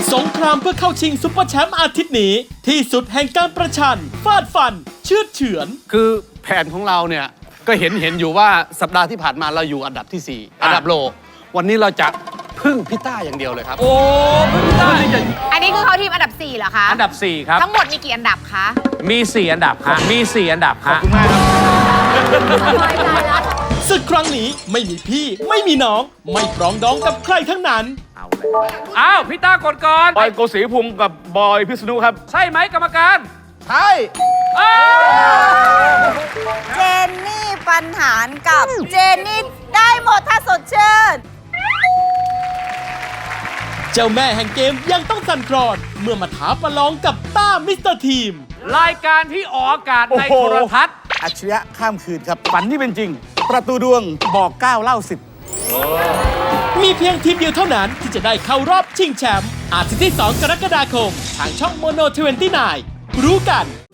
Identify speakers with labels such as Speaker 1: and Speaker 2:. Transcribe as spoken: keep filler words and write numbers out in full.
Speaker 1: สงครามเพื่อเข้าชิงซุปเปอร์แชมป์อาทิตย์นี้ที่สุดแห่งการประชันฟาดฟัน เชือดเฉือน
Speaker 2: คือแผนของเราเนี่ยก็เห็นเห็นอยู่ว่าสัปดาห์ที่ผ่านมาเราอยู่อันดับที่สี่อันดับโลวันนี้เราจะพึ่งพี่ต้าอย่างเดียวเลยครับ
Speaker 3: โอ้ไม่ได้
Speaker 4: อันนี้คือเขาทีมอันดับสี่เหรอคะ
Speaker 3: อันดับสี่ครับ
Speaker 4: ทั้งหมดมีกี่อันดับคะ
Speaker 3: มีสี่อันดับครับมีสี่อันดับครับ
Speaker 1: ศึกครั้งนี้ไม่มีพี่ไม่มีน้อง ไม่ปรองดองกับใครทั้งนั้น
Speaker 3: เอาเลยอ้าวพี่ต้ากดก่อน
Speaker 5: บอยโกศรีภูมิกับบอยพิษณุครับ
Speaker 3: ใช่ไหมกรรมการ
Speaker 5: ใช่
Speaker 3: อ้าว
Speaker 6: เจนนี่ปัญหารกับเจนนี่ได้หมดถ้าสดชื่น
Speaker 1: เจ้าแม่แห่งเกมยังต้องสั่นคลอนเมื่อมาท้าประลองกับต้ามิสเตอร์ทีม
Speaker 3: รายการที่ออกอากาศในโทรทัศน์
Speaker 7: อัจฉริยะข้ามคืนครับ ฝันที่เป็นจริง ประตูดวงบอกเก้าเล่าสิบ
Speaker 1: มีเพียงทีมเดียวเท่านั้นที่จะได้เข้ารอบชิงแชมป์อาทิตย์ที่ สอง กรกฎาคม ทางช่องโมโนยี่สิบเก้ารู้กัน